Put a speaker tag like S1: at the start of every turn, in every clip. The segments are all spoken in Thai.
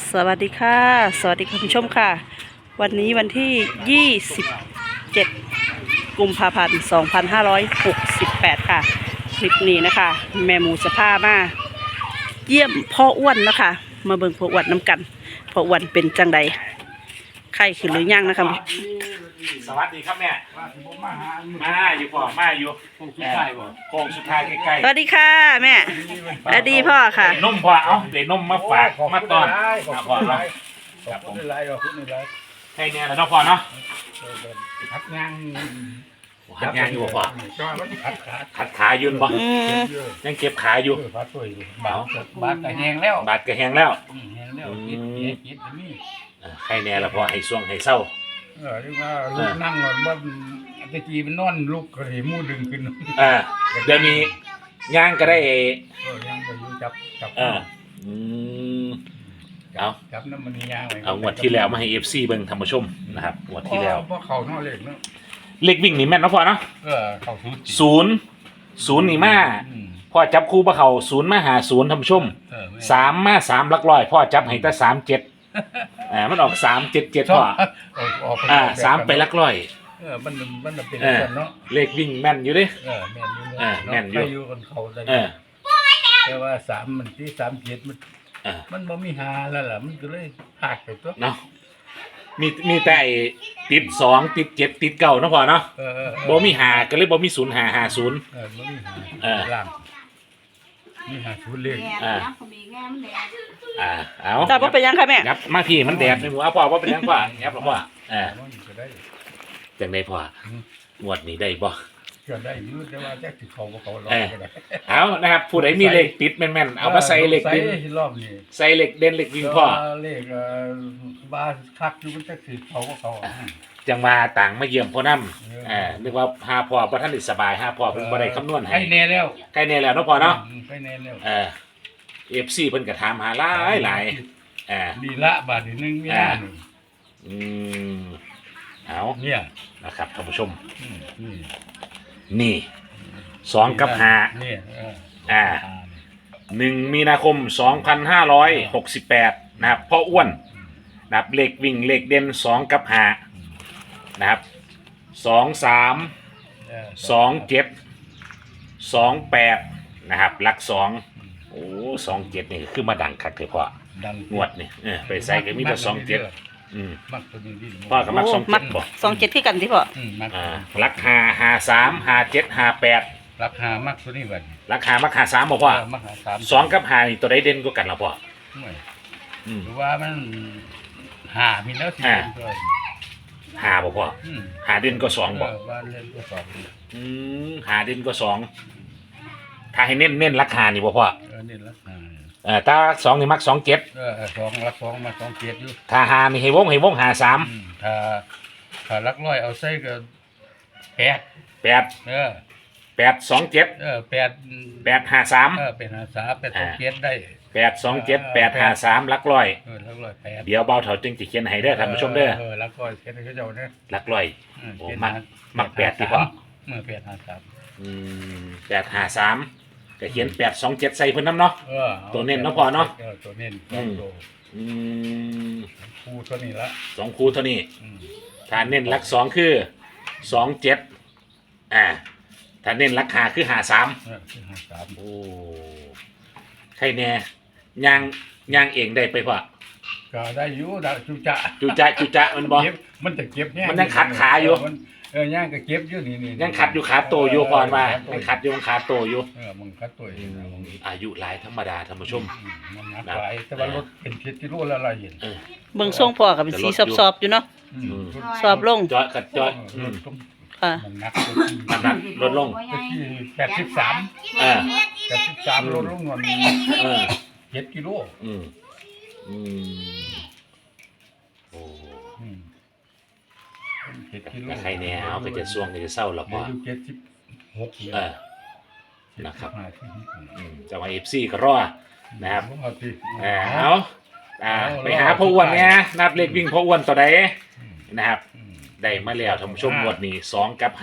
S1: สวัสดีค่ะสวัสดีคุณผู้ชมค่ะวันนี้วันที่ 27 กุมภาพันธ์ 2568 ค่ะคลิปนี้นะคะแม่หมูสภามาเยี่ยมพ่ออ้วนนะคะมาเบิ่งพ่ออ้วนน้ำกันพ่ออ้วนเป็นจังใดไข้ขึ้นหรือยังนะคะ
S2: สวัสดีครับแม่มาอยู่พ่อมาอยู่โค้งสุดท้ายใกล้
S1: สวัสดีค่ะแม่สวัสดีพ่อค่ะ
S2: ๆนมพ่อเอาเดี๋ยวนมมาฝากมาตอนพ่อเนาะครับผมให้เนี่ยแล้วเนาะพ่อเนาะ
S3: พักงาน
S2: หัดงานอยู่พ่อ ขัดขายืนบ่
S1: อืม
S2: ยังเก็บขาอยู่
S3: พักตัวอยู่บาทก็แห้งแล้ว
S2: บาดก็แห้งแล้ว
S3: แห้งแล้วคิดนี่
S2: ให้แน่ละพ่อให้ช่วงให้เศร้า
S3: เรียกว่าลูกนั่งนอนว่าตะกี้มันนอนลูกก็เลยมูดึงขึ้น
S2: เดี๋ยวนี้ย่างก็ได้
S3: ยังไปอยู่จับ
S2: อืมเอา
S3: จับน้ำมันยางไว้
S2: เอางวดที่แล้วมาให้ FC เบิ่งท่านผู้ชมนะครับงวดที่แล้ว
S3: เพราะเขานอกเล็กเนาะ
S2: เลขวิ่งนี่แม่นเนาะพ่อเนาะ
S3: เขาทุบ
S2: ศูนย์นี่มาพ่อจับคู่บ่เข้าศูนย์มาหาศูนย์ท่านผู้ชม3มา3หลักร้อยพ่อจับให้แต่37มันออก377พ่อ3ไปหลักร้อย
S3: มันเป็นเนาะ
S2: เลขวิ่งแม่นอยู่เด้
S3: แม่นอยู่อยู่กันเขาได้แต่ว่า3มันที่37มันบ่มีหาแล้วล่ะมันก็เลยหักไปตัว
S2: เนาะมีแต่ไอ้ติด2ติด7ติด9เนาะพ่อเนาะบ่มีหาก็เลยบ่มี0550
S3: บ่มีหาล่างมีหาชุดเลข
S2: เอา
S1: แต่ว่าเป็นยังค่ะแม่
S2: ยับมาพี่มันแดดในหัวพ่อว่าเป็นยังพ่อยับหรอพ่อ
S3: ก็ได้
S2: จังได้พ่อ งวดนี้ได้บ่
S3: ก็ได้อยู่แต่ว่าจักสิเขาบ่เขารอก็ได้
S2: เอานะครับผู้ใดมีเลขติดแม่นๆเอามาใส่เลขดิน
S3: รอบนี้
S2: ใส่เลขเด่นเลขวิ่งพ่อ
S3: เลขบ้านคักอยู่มันจักสิเขาบ่เขา
S2: จังมาต่างมาเยี่ยมพ่อน้ำนึกว่าหาพ่อบ่ทันได้สบายหาพ่อเพิ่นบ่ได้คำนวณให้
S3: ใกล้แน่แล้ว
S2: ใกล้แน่แล้วเนาะพ่อเนาะ
S3: ใกล้แน่แล้ว
S2: FC เพิ่นก็ถามหาหลาย
S3: ดีละบาทนึงมีหน้านึง
S2: เอา
S3: เนี่ย
S2: นะครับท่านผู้ชม
S3: นี่
S2: นี่2กับ5
S3: นี่
S2: 1 มีนาคม 2568 นะครับพ่ออ้วนนะครับเลขวิ่งเลขเด่น2กับ5นะครับ23 27 28นะครับหลัก2โอ้27นี่คือมาดังคักเถอะพ่อ
S3: ดัง
S2: งวดนี่ไปใส่ก็มีแต่27
S3: มักตัวนี้ดิ
S2: พ่อก็มัก
S1: โอ้มัก
S2: 27บ่
S1: 27ที่กันที่พ่อ
S3: มัก
S2: หลัก5 53 57 58
S3: ราคามักตัวนี้บัด
S2: หลัก5มัก53บ่พ่อ
S3: มักหา
S2: 2กับ5นี่ตัวใดเด่นกว่ากันล่ะพ่อ
S3: หรือว่ามันหามีแล้วสิตัว
S2: 5บ่พ่อ5เด่นก็2บ่
S3: ว่าเล่นก็2
S2: 5เด่นก็2ถ้าให้เน้นราคานี่บ่พ่อ
S3: เน้นราคา
S2: ถ้า2นี่มัก27
S3: 2รัก2มา2เกียรติอยู่
S2: ถ้า5นี่ให้วง53
S3: ถ้ารักร้อยเอาใส่ก็8
S2: 8 827
S3: 8
S2: 853
S3: เป็น53เป็น2เกียรติได้
S2: 827 853หลักร้อย
S3: รักร้อย8
S2: เดี๋ยวเบาเถาจึงจะเขียนให้เด้อท่านผู้ชมเด้อ
S3: รักร้อยเขียนให้เขาเจ้าเด้อ
S2: หลักร้อยโอ้มัก8ที่พ่อ853ก็เขียน827ใส่เพิ่นนำเนาะตัวเน้นเนาะพ่อเนาะ
S3: ตัวเน้นคู่ตัวนี้ละ
S2: 2คู่เท่านี้ถ้าเน้นหลัก2คือ27ถ้าเน้นราคาคือ53โอ้ใครแน่ย่างเองได้ไปพ่อ
S3: ก็ได้อยู่ดาจุ
S2: จะมันบ่
S3: มันจะเก็บเนี่ย
S2: มันยังขัดขาอยู่
S3: ย่างก็เก็บอยู่นี่
S2: ยังขัดอยู่ขาโตอยู่ก่อนว่ายังขัดอยู่ขาโตอยู่
S3: มันขัดตัว
S2: อายุหลายธรรมดาท่านผู้ชม
S3: มันนักหลายแต่ว่ารถเป็น10กิโลแล้วเราเห็น
S1: เบิ่งทรงพ่อก็เป็นสีสอบๆอยู่เนาะสอบลง
S2: จอย
S1: ค่ะ
S3: มันนัก
S2: น้ำหนักลดลง
S3: 83ลดลงวัน7กิโล
S2: โอ้
S3: 7กิโล
S2: ใครแน่เอาก็จะช่วงก็จะเศร้าหรอกพ่อ
S3: 76
S2: นะครับจะมา FC ก็รอนะครับเอาไปหาพ่ออ้วนเนี่ยนับเลขวิ่งพ่ออ้วนตัวใดนะครับได้มาแล้วท่านผู้ชมงวดนี้2กับ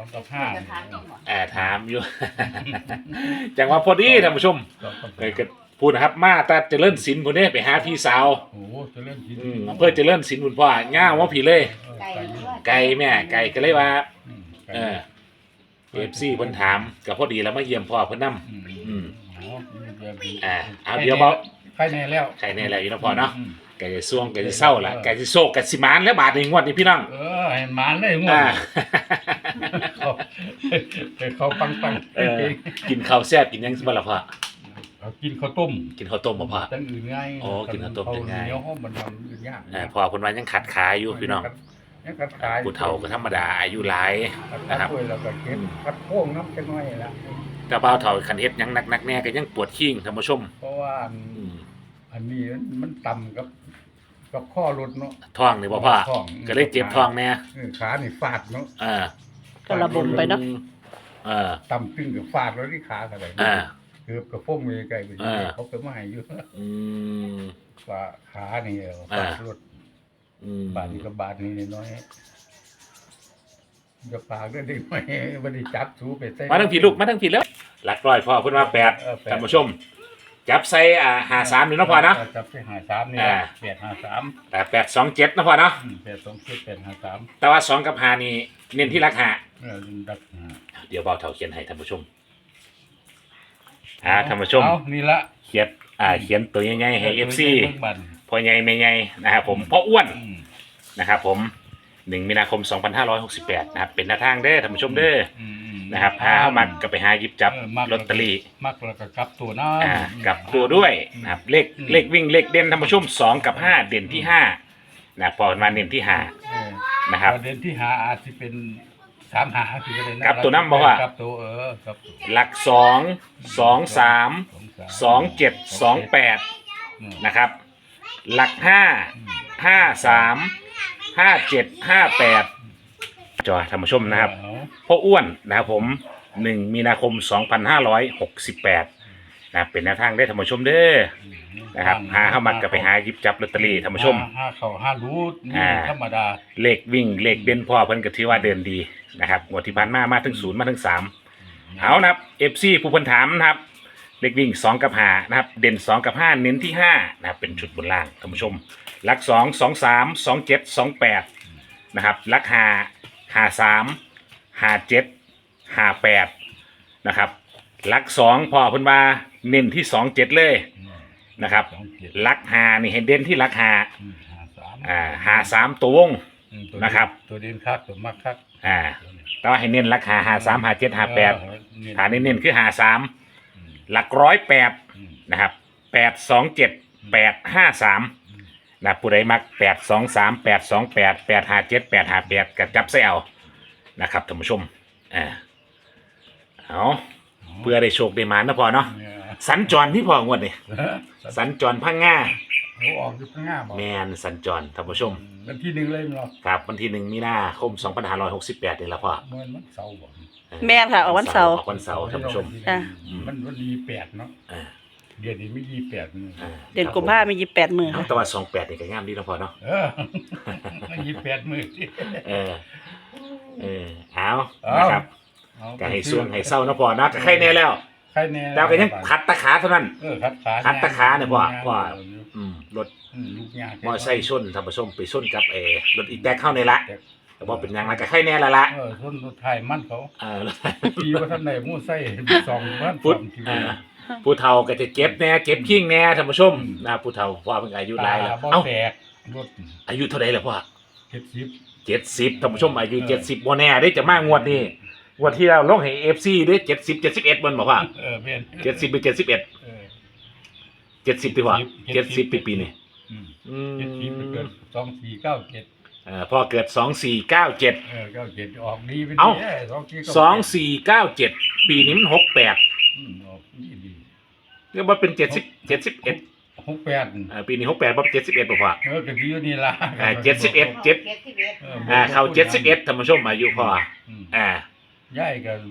S2: 5ถามอยู่จังว่าพอดีท่านผู้ชมเคยพูดนะครับมาแต่เจริญศิลป์คนนี้ไปหาพี่สาว
S3: โอ้เจะเล่นที
S2: อำเภอเจริญศิลป์คุณพ่อง่าวว่าผีเลย
S4: ไก่
S2: ไก่แม่ไก่ก็เลยว่า
S3: ไก่
S2: เออFC เพิ่นถามก็พอดีแล้วมาเยี่ยมพ่อเพิ่นนำ อืม เอาเดี๋ยวเบา
S3: ใครแน่แล้ว
S2: ใครแน่แล้วอยู่นะพ่อเนาะ
S3: อืม
S2: ไก่จะซ่วงไก่จะเศร้าละไก่จะโศกไก่สิมานแล้วบาทในงวดนี้พี่น้อง
S3: เออให้หมานเลยงว
S2: อ่า
S3: เขาปัง
S2: เออกินข้าวแซ่บกินหยังบ่ล่ะพ่อ
S3: เขากินข้าวต้ม
S2: กินข้าวต้มบ่พ่อ
S3: ตั้งอื่นง่าย
S2: โอ้กินข้าวต้มจะง่าย
S3: เนื้อห้องมันทำอื่นยาก
S2: พ่อเพิ่นว่ายังขัดขาอยู่พี่น้อง
S3: ยังกัดขาย
S2: ผู้เฒ่าก็ธรรมดาอายุหลาย
S3: กัด
S2: นะครับ
S3: ด้วยแล้วก็เก็บกัดโค้งน้ำกันหน่อยละ
S2: แต่บ่าวเฒ่าคันเฮ็ดหยังหนักๆแน่ก็ยังปวดขิ้งท่านผู้ชม
S3: เพราะว่า
S2: อืม
S3: อันนี้มันต่ำกับข้อรถเนาะ
S2: ท้องนี่บ่พ่อ
S3: ท้อง
S2: ก็เลยเจ็บท้องแน่
S3: ขานี่ฟาดเนาะ
S2: อ่า
S1: ก็ระบมไปเนาะ
S3: ต่ำตึงกับฟาดแล้วที่ขาอะไร
S2: อ่า
S3: เกือบกับพ่มมือไกลไป
S2: อ่า
S3: เขาไปมาให้อยู่
S2: อืม
S3: ว่าขานี่ฟาดรถ
S2: อืม
S3: บาดนี่กับบาดนี่น้อยจะปากก็ได้ไหมบันนี้จับสูไปใส่
S2: มาทั้งผีลูกมาทั้งผีแล้วหลักร้อยพ่อเพิ่นว่าแปด
S3: เออแปด
S2: ท่านผู้ชม จับใส่53นี่เนาะพ่อเนาะ
S3: จับไป53นี่
S2: อ่า
S3: 853
S2: แต่827นะพ่อเนาะ
S3: 827
S2: แต่ว่า2กับ5นี่เน้นที่ราคา
S3: 853ดัก
S2: เดี๋ยวเบาเฒ่าเขียนให้ท่านผู้ชมท่านผู้ชม
S3: เอานี่ละ
S2: เขียนตัวใหญ่ๆให้ FC
S3: เบิ่งบัด
S2: พ่อใหญ่แม่ใหญ่นะครับผมพ่ออ้วน
S3: อืม
S2: นะครับผม1มีนาคม 2568นะครับเป็นหน้าทางเด้อท่านผู้ชมเด้อ
S3: อืม
S2: นะครับหาเข้ามาก็ไปหาหยิบจับ
S3: มัก
S2: ลอตเตอรี่
S3: มักแล้วก็กลับตัวน้
S2: กลับตัวด้วยนะครับเลขวิ่งเลขเด่นท่านผู้ชม2กับ5เด่นที่5นะพอมาเด่นที่5นะครับ
S3: ประเด็นที่หาอาจจะเป็น3หาคือประเด็น
S2: กลับตัวน้ำบ่ว่า
S3: กลับตัวกลับตัว
S2: หลัก2 2 3 2 7 2 8นะครับหลัก5 5 3 5 7 5 8จอท่านผู้ชมนะครับ พ่ออ้วนนะครับผม1มีนาคม 2568นะเป็นแนวทางได้ท่านผู้ชมเด้อนะครับหาเข้ามาก็ไปหาหยิบจับลอตเตอรี่ท่านผู้ชม
S3: ห้าเข้าห้ารูดนี่
S2: อ่า
S3: ธรรมดา
S2: เลขวิ่งเลขเด่นพ่อเพิ่นก็ถือว่าเดินดีนะครับงวดที่ผ่านมาถึง0มาถึง3เอานะครับ FC ผู้เพิ่นถามนะครับเลขวิ่ง2กับ5นะครับเด่น2กับ5เน้นที่5นะครับเป็นชุดบนล่างท่านผู้ชมหลัก2 2 3 2 7 2 8นะครับหลัก5 5 3 5 7 5 8นะครับหลัก2พ่อเพิ่นว่าเน้นที่2 7เลยนะครับ
S3: 27
S2: หลัก5นี่ให้เด่นที่หลัก5
S3: 53
S2: 53ตัววง นะครับ
S3: ตัวเด่นคักตัวมักคัก
S2: แต่ว่าให้เน้นราคา53 57 58ฐานเน้นๆคือ53หลัก108นะครับ827 853นะผู้ใดมัก823 828 857 858ก็จับใส่เอานะครับท่านผู้ชมเอาเพื่อได้โชคได้มานะพอเนาะสัญจรที่พองวดนี่สัญจรพังงา
S3: เขาออกอยู่ข้างหน้าบอก
S2: แมนสัญจรท่านผู้ชม
S3: วันที่หนึ่งเลยเนาะ
S2: ครับวันที่1มีนาคม 2568นี่ละพ่อ
S3: เมื่อวันเสาร์บอก
S1: แม่นค่ะออกวันเสาร์
S2: ออกวันเสาร์ท่านผู้ชม
S1: จ้ะ
S3: มันวัน28เนาะ
S2: อ่า
S3: เดือนนี้ไม่28นี่
S1: เดือนกุมภาพันธ์มี28มื้อ
S2: เอา
S1: ค่ะ
S2: แต่ว่า28นี่ก็งามดีเนาะพ่อเนาะ
S3: ไม่28มื้อ
S2: เออเอานะครับก็ให้ส่วงให้เศร้าเนาะพ่อนะก็ใครแน่แล้ว
S3: ใครแน่
S2: แต่ก็ยังขัดตะขาเท่านั้น
S3: ขัดขา
S2: ขัดตะขาเนี่ยพ่อรถ
S3: ลูกยาก
S2: มอไซค์ชนท่านผู้ชมไปชนกับรถอีแตกเข้าในละแต่ว่าเป็นหยังไงก็ใครแน่ละ
S3: ชนรถไทยมันเขา
S2: รถ
S3: ขี่ว่าท่านไหนมู่ไส้สองบ้าน
S2: พุทธ
S3: สองที่
S2: ผู้เฒ่าก็จะเก็บแน่เก็บขิงแน่ท่านผู้ชมนะผู้เฒ่าพ่อเพิ่งอายุหลายแล้ว
S3: บ่
S2: เอ้า
S3: แตกรถ
S2: อายุเท่าไหร่แล้วพ่อ
S3: 70
S2: 70ท่านผู้ชมอายุ70บ่แน่ได้จะมางวดนี้งวดที่เราลงให้ FC ได้70 71บ่นบอกว่า
S3: เพี้ยน
S2: 70หรือ71 70ดีกว่า70ปีนี้
S3: 70ไปเกิด2497
S2: พ่อเกิด2497
S3: 97ออกดีเป็น
S2: เอ้า
S3: ดี
S2: 2497ปีนี้มัน68
S3: ออกดี
S2: เรียกว่าเป็น70 71
S3: 68
S2: ปีนี้68บ่71บ่พ่อ
S3: ก็ดีอยู่นี่ล่ะ
S2: 71 7เข้า71ท่านผู้ชมอายุพ่อ
S3: ย้ายก็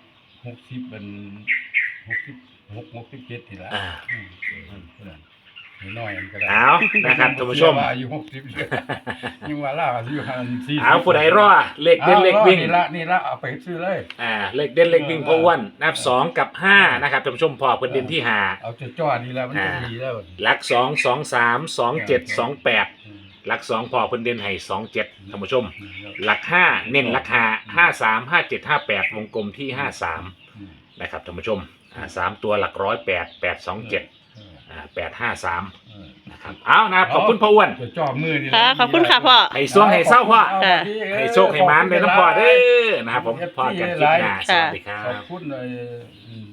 S3: 60เป็น66 67นี่ล่ะน้อยมันก็ได้
S2: เอานะครับท่านผู้ชม
S3: ว่าอายุ60เลยยังว่าล่าอายุ40
S2: เอาผู้ใดรอเลขเด่นเลขวิ่ง
S3: นี่ละเอาไปซื้อเลย
S2: เลขเด่นเลขวิ่งพ่ออ้วนนับ2กับ5นะครับท่านผู้ชมพอเพิ่นเด่นที่5
S3: เอาจ่อๆนี่แล้วมันจะดีแล้ว
S2: หลัก2 2 3 2 7 2 8หลัก2พอเพิ่นเด่นให้2 7ท่านผู้ชมหลัก5เน้นหลัก5 5 3 5 7 5 8วงกลมที่53นะครับท่านผู้ชม3ตัวหลัก100 8 8 2 7 8 5 3นะครับเอานะครับขอบคุณพ่ออ้วน
S3: จ่อมือนี่
S1: ค่ะขอบคุณค่ะพ่อ
S2: ให้สวงให้เศร้าพ่อ
S1: ค่ะ
S2: ให้โชคให้หมานเลยน้ำพ่อเด้อนะครับผมพ่อกันคลิปหน้าสวัสดีครั
S3: ขอบบ คุณเลย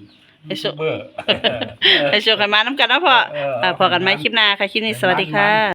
S1: ให้โชค
S3: เบอร์
S1: ให้โชคกันมาน้ำกันนะพ่อพอกันไหมคลิปหน้าค่ะคลิปนี้สวัสดีค่ะ